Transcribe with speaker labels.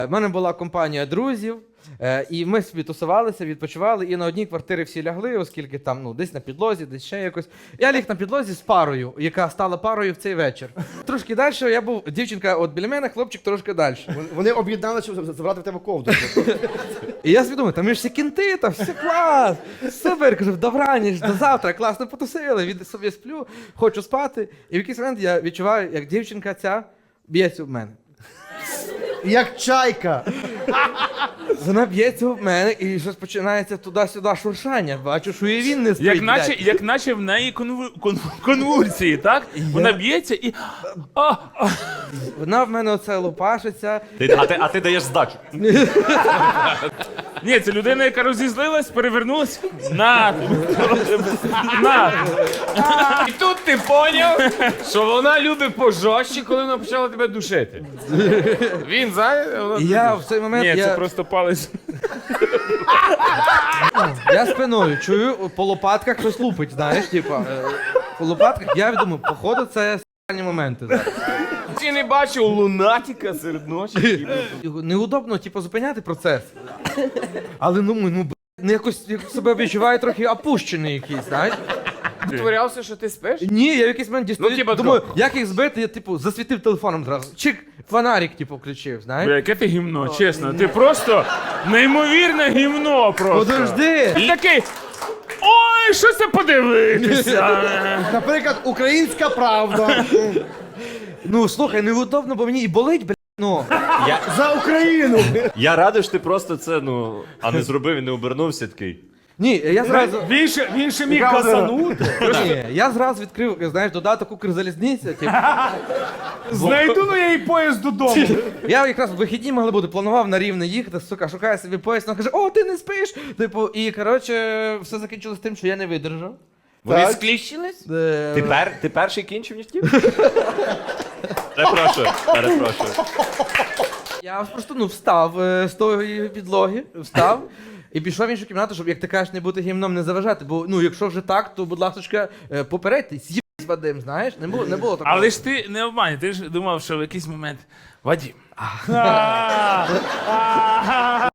Speaker 1: У мене була компанія друзів, і ми собі тусувалися, відпочивали, і на одній квартирі всі лягли, оскільки там, ну, десь на підлозі, десь ще якось. Я ліг на підлозі з парою, яка стала парою в цей вечір. Трошки далі я був, дівчинка от біля мене, хлопчик трошки далі.
Speaker 2: Вони об'єднали, щоб забрати в тебе ковдру.
Speaker 1: І я собі думаю, там ми ж всі кінти, там все клас, супер, кажу, добраніч, до завтра, класно потусили, від собі сплю, хочу спати. І в якийсь момент я відчуваю, як дівчинка ця б'ється в мене.
Speaker 2: Як чайка.
Speaker 1: Вона б'ється в мене і щось починається туди-сюди шуршання. Бачу, що і він не спить.
Speaker 3: Як наче в неї конвульсії, так? Вона б'ється і...
Speaker 1: Вона в мене оце лопашиться.
Speaker 4: А ти даєш здачу.
Speaker 3: Ні, це людина, яка розізлилась, перевернулась. На! На!
Speaker 5: І тут ти поняв, що вона любить пожорстче, коли вона почала тебе душити. Він
Speaker 1: І я в цей момент,
Speaker 3: Ні, це просто палець.
Speaker 1: я спиною чую, по лопатках щось лупить, знаєш, типа. По лопатках я думаю, походу це с**ні моменти зараз.
Speaker 5: Ти не бачив лунатика серед ночі.
Speaker 1: Неудобно, типу, зупиняти процес. Але ну якось себе відчуваю трохи опущений якийсь, знаєш.
Speaker 5: Творявся, що ти спиш?
Speaker 1: Ні, я в якийсь момент дістаю,
Speaker 5: Ну, типа,
Speaker 1: думаю, як їх збити, я, типу, засвітив телефоном зразу. Чик, фонарик, типу, включив, знаєш.
Speaker 3: Бля, яке ти гімно, чесно. Ти просто неймовірне гімно просто.
Speaker 1: Подожди!
Speaker 3: І такий, ой, що це подивитися.
Speaker 2: Наприклад, українська правда.
Speaker 1: Ну, слухай, неудобно, бо мені і болить, блядь, ну.
Speaker 2: За Україну.
Speaker 4: Я радий, що ти просто це, а не зробив і не обернувся такий.
Speaker 1: Ні, я зразу...
Speaker 3: Він ще міг казанути.
Speaker 1: Ні, я зразу відкрив, знаєш, додаток Укрзалізниця, типу.
Speaker 3: Знайду я їй поїзд додому.
Speaker 1: Я якраз в вихідні могли бути, планував на Рівне їхати, сука, шукаю собі поїзд, вона каже, о, ти не спиш! Типу, і, коротше, все закінчилось тим, що я не видержав.
Speaker 5: Вони скліщились?
Speaker 4: Ти перший кінчив, ніж ті? Перепрошую.
Speaker 1: Я просто, встав з тої підлоги, встав. І пішов в іншу кімнату, щоб, як ти кажеш, не бути гімном, не заважати. Бо, якщо вже так, то, будь ласка, попередьте, з'їбись, Вадим, знаєш? Не було такого.
Speaker 3: Але ж ти не обманюй, ти ж думав, що в якийсь момент Вадим.